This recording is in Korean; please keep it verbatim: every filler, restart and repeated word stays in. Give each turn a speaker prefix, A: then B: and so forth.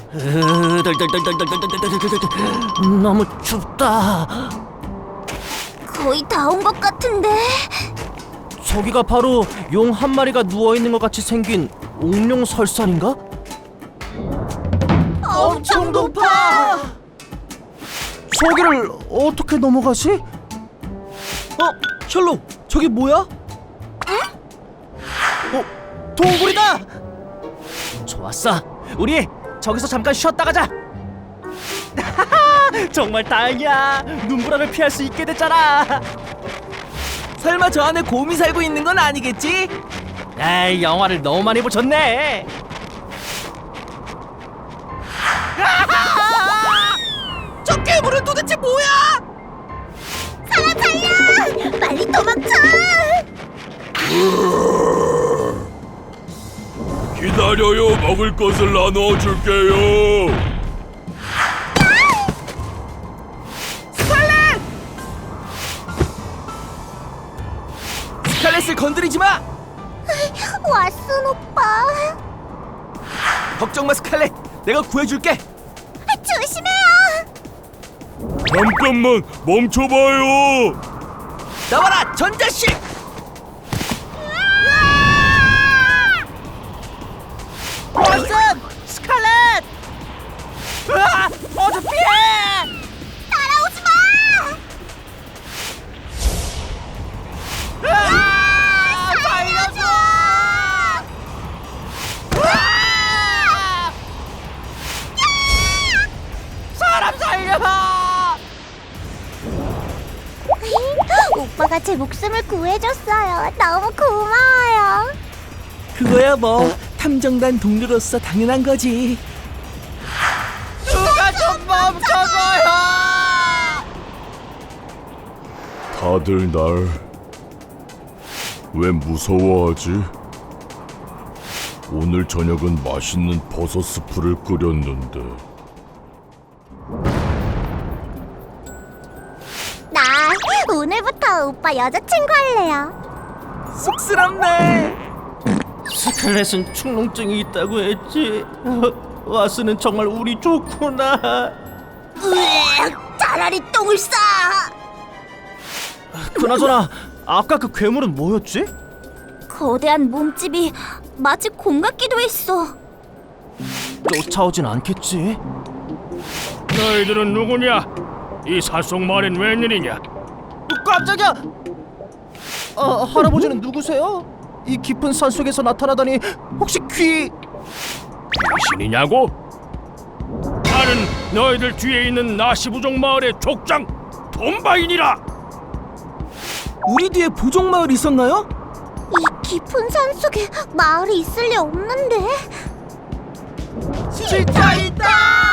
A: 너무 춥다.
B: 거의 다 온 것 같은데.
A: 저기가 바로 용 한 마리가 누워있는 것 같이 생긴 옥룡설산인가?
B: 엄청 높아.
A: 저기를 어떻게 넘어가지? 어? 셜록, 저기 뭐야? 응? 어? 동굴이다! 좋았어, 우리 저기서 잠깐 쉬었다 가자. 정말 다행이야. 눈보라를 피할 수 있게 됐잖아.
C: 설마 저 안에 곰이 살고 있는 건 아니겠지?
A: 에이, 영화를 너무 많이 보셨네.
C: 저 괴물은 도대체 뭐야?
B: 사람 살려! 빨리 도망쳐!
D: 기다려요. 먹을 것을 나눠줄게요.
C: 스칼렛을 건드리지 마!
B: 왓슨 오빠.
C: 걱정 마, 스칼렛. 내가 구해줄게.
B: 조심해요.
D: 잠깐만 멈춰봐요.
C: 나와라, 전자식!
A: 왓슨! 스칼렛! 으아! 어서 피해!
B: 따라오지 마.
A: 으아! 살려줘! 으아! 사람 살려!
B: 오빠가 제 목숨을 구해줬어요. 너무 고마워요.
C: 그거야 뭐 탐정단 동료로서 당연한 거지.
A: 누가 좀 멈춰줘요!
D: 다들 날 왜 무서워하지? 오늘 저녁은 맛있는 버섯 스프를 끓였는데.
B: 나 오늘부터 오빠 여자친구 할래요.
C: 쑥스럽네.
A: 스칼렛은 축농증이 있다고 했지. 왓슨은 정말 우리 좋구나.
B: 으악, 차라리 똥을 싸.
A: 그나저나 아까 그 괴물은 뭐였지?
B: 거대한 몸집이 마치 곰 같기도 했어.
A: 쫓아오진 않겠지?
D: 너희들은 누구냐? 이 산속마을엔 웬일이냐?
A: 깜짝이야! 아, 할아버지는 누구세요? 이 깊은 산속에서 나타나다니 혹시 귀...
D: 신이냐고? 나는 너희들 뒤에 있는 나시부족 마을의 족장 톰바인이라.
C: 우리 뒤에 부족마을 있었나요?
B: 이 깊은 산 속에 마을이 있을 리 없는데.
A: 진짜 있다!